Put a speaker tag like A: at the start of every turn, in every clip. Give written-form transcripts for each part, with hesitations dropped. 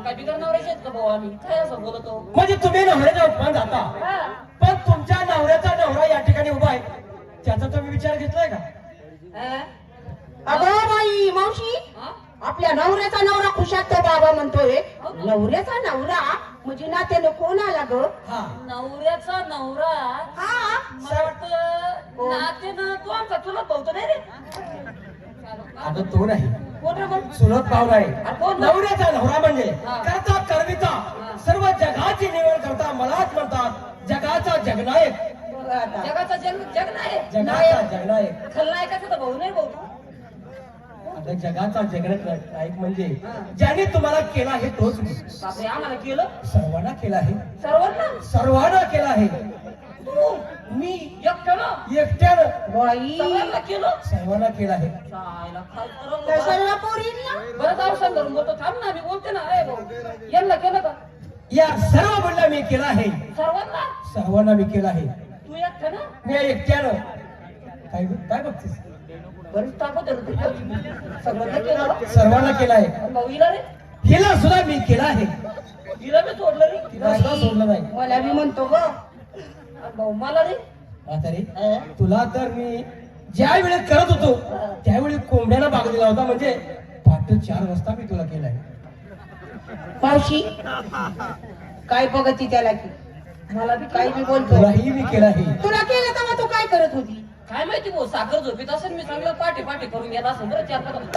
A: काय बिगर नवऱ्याचे आहेत का भाऊ आम्ही काय असं बोलतो
B: म्हणजे तुम्ही नवऱ्याचा अपमान जाता पण तुमच्या नवऱ्याचा नवरा या ठिकाणी उभा आहे त्याचा तुम्ही विचार घेतलाय का?
C: अगं बाई मावशी आपल्या नवऱ्याचा नवरा खुशात तो बाबा म्हणतोय नवऱ्याचा नवरा म्हणजे नात्यानं कोण आला ग?
A: नवऱ्याचा नवरा
C: हा
A: मला वाटतं नातेनं तू आमचा चुलत भाऊ नाही रे
B: आता तो नाही
A: कोण रे मग
B: चुलत पाहुणा आहे
A: कोण?
B: नवऱ्याचा नवरा म्हणजे
A: हा.
B: करता करविता सर्व जगाची निवड करता मलाच म्हणतात जगाचा जगनायक
C: बघ आता.
A: जगाचा जग जग नाही
B: जगाचा जगनायक
A: खलनायकाचा तर भाऊ नाही भाऊ तू
B: आता जगाचा जगनायक म्हणजे ज्याने तुम्हाला केला आहे तोच मी.
A: बापरे आम्हाला केलं
B: सर्वांना केला आहे
A: सर्वांना
B: सर्वांना केला आहे
A: तू
B: मी
A: एकट्यानं
B: एकट्यानं
C: बाई
A: सगळ्यांना केलं
B: सर्वांना केला आहे
A: चायला खाल तर
C: त्या सर्व पोरींना
A: बरं जाऊ सांग बोलतो थांब ना मी बोलते ना अरे भाऊ यांना केलं का
B: या सर्व मुलींना मी केला आहे
A: सर्वांना
B: सर्वांना मी केला आहे
A: तू एकट्यानं
B: मी एकट्यानं काय काय बघतेस
A: बरीच ताकद आहे रे. सगळं नाही केलं
B: सर्वांना केला आहे
A: आणि भाऊ हिला रे
B: हिला सुद्धा मी केला आहे
A: हिला बी सोडलं रे
B: तिला सुद्धा सोडलं नाही
C: मला मी म्हणतो ग
A: आणि भाऊ मला रे
B: म्हातारी तुला तर मी ज्या वेळेस करत होतो त्यावेळी कोंबड्याला भाग दिला होता म्हणजे पहाटे 4 वाजता मी तुला केला आहे
C: मावशी काय बघती त्याला की
A: मला बी
C: काय
A: काय
C: मी बोलतो
B: तुलाही मी केला आहे
C: तुला केलं तेव्हा तू काय करत होती?
A: काय माहिती भाऊ साखर झोपीत असेल मी चांगलं पाठी पाठी करून घेत असेल बरं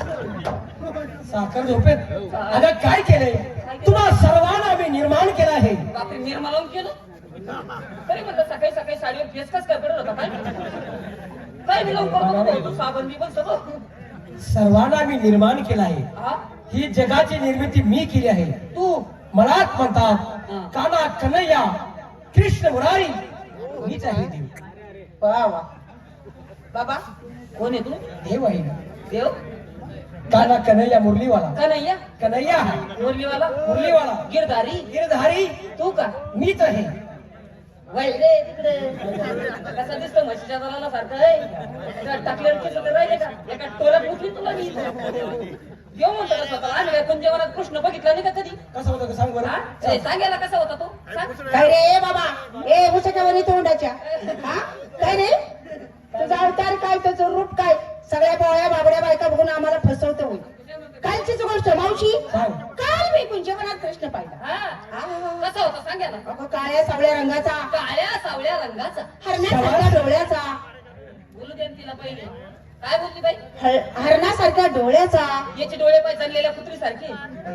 A: 4-5
B: साखर झोपेत आता काय केलंय तुम्हा सर्वांना मी निर्माण केला आहे
A: बापरे निर्मा लावून केलं तरी म्हटलं सकाळी सकाळी साडीवर फेस कस काय पडत होता काय काय मी लावून करत होतो साबण बिबन सगळं
B: सर्वांना मी निर्माण केला आहे
A: हा
B: ही जगाची निर्मिती मी केली आहे
A: तू
B: मलाच म्हणतात काना कन्हैया कृष्ण मुरारी मीच आहे देव
C: वा वा बाबा
A: कोण आहे तू
B: देव आहे
A: देव
B: काना कन्हैया मुरलीवाला
A: का नाही या
B: कन्हैया
A: मुरलीवाला
B: मुरलीवाला
A: गिरधारी
B: गिरधारी
A: तू का
B: मीच आहे
A: वळले तिकडे कसा दिसतो म्हशीच्या दलाला सारखं आहे टाकलेलं केस तर राहिले का एका टोळ्यात उठली तुला मी देव म्हणतो का स्वतःला आम्ही काय कुंजवनात कृष्ण बघितला नाही का कधी
B: कसं होतं सांग
A: हा?
B: बरं
A: ए, सांगायला कसा होता तो सांग
C: काय रे बाबा ए मुसक्यावानी तोंडाच्या हा काय रे तुझा अवतार काय तुझं रूप काय सगळ्या बोळ्या बाबड्या बायका बघून आम्हाला फसवतं होईल कालचीच गोष्ट मावशी
B: सांग.
C: काल मी कुंजवनात कृष्ण पाहिला
A: हा
C: हा.
A: कसा होता सांगायला
C: अगं काळ्या सावळ्या रंगाचा
A: काळ्या सावळ्या रंगाचा
C: हरणासारख्या डोळ्याचा
A: बोलू दे ना तिला पहिले काय बोलली बाई
C: हरणासारख्या डोळ्याचा
A: याचे डोळे पाय चाललेल्या कुत्री सारखे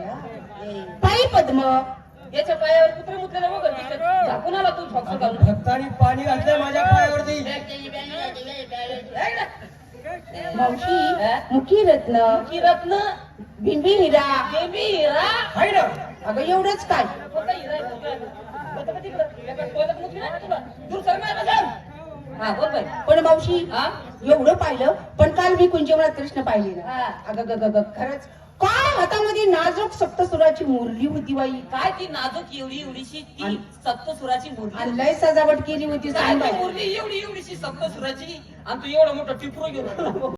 C: पायी पद्म
A: याच्या पायावर कुत्रे मुतलेले वगैरे दिसतात झाकून आला तू फॉक्स घालून
B: भक्तानी पाणी घातलंय माझ्या पायावरती
C: मावशी मुखी रत्न
A: की रत्न
C: बिंबी हिरा
A: बेबी हिरा
B: आहे ना
C: अगं एवढंच काय
A: कोणता हिरा आहे कोणता का तिकडं? एका टोळ्यात मुतली नाही का तुला दूर सर नाही बघा. हा बोल बाई
C: पण मावशी
A: हा
C: एवढं पाहिलं पण काल मी कुंजवनात कृष्ण पाहिले ना
A: हा.
C: अगं ग ग ग खरंच काय हातामध्ये नाजूक सप्तसुराची मुरली होती बाई
A: काय ती नाजूक एवढी एवढीशी ती सप्तसुराची मुरली
C: आणि लय सजावट केली होती
A: काय
C: सांग
A: ती
C: बाई.
A: मुरली एवढी एवढीशी सप्तसुराची आणि तू एवढं मोठं टिपरू घेऊन